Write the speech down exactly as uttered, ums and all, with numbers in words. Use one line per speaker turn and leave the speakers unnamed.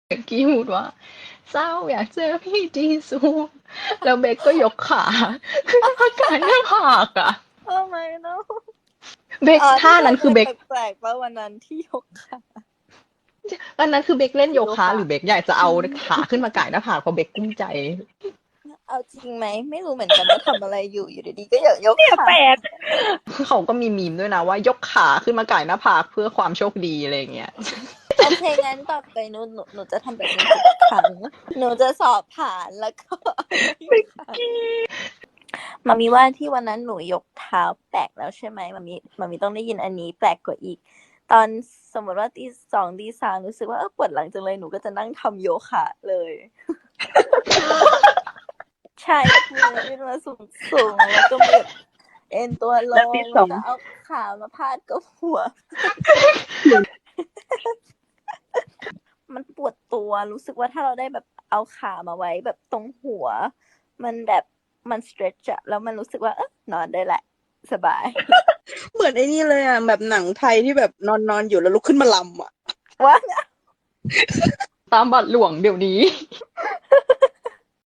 เบกกี้พูดว่าเศร้าอยากเจอพี่จีซูแล้วเบกก็ยกขาขึ้นมากางหน้าผากอ่ะ
โอ้ my no
เบก
อ๋อ
ท่า
ที่เธ
นั้นคือเบก
อเคยแปลกๆป่ะวันนั้นที่ยกขา
อันนั้นคือเบกเล่นโย
โยคะ
คะหรือเบกอยากจะเอาขาขึ้นมากางหน้าผากเพราะเบกกุ้มใจ
เอาจริงไหมไม่รู้เหมือนกันว่าทำอะไรอยู่อยู่ดีๆก็อยากยกขา
แปลก
เขาก็มีมีมด้วยนะว่ายกขาขึ้นมากางหน้าผากเพื่อความโชคดีอะไรอย่างเงี้ย
โอเคงั้นต่อไปหนูหนูหนูจะทำแบบนี้ทุกครั้งหนูจะสอบผ่านแล้วก็มามีว่าที่วันนั้นหนูยกเท้าแปลกแล้วใช่ไหมมามีมามีต้องได้ยินอันนี้แปลกกว่าอีก ตอนสมมติว่าตีสองตีสามรู้สึกว่าเออปวดหลังจังเลยหนูก็จะนั่งทำโยคะเลย ใช่มือขึ้นมาสูงสูงแล้วก็แบบเอ็นตัวล
แล้ว
ง
ตีส
แล้
อ
ว
ง
ก็เอาขามาพาดกับหัว มันปวดตัวรู้สึกว่าถ้าเราได้แบบเอาขามาไว้แบบตรงหัว มันแบบมัน stretch อะแล้วมันรู้สึกว่าเออนอนได้แหละ สบาย
เหมือนไอ้นี่เลยอ่ะแบบหนังไทยที่แบบนอนนอนอยู่แล้วลุกขึ้นมาลำอ่ะ
ว่า
ตามบัตรหลวงเดี๋ยวนี้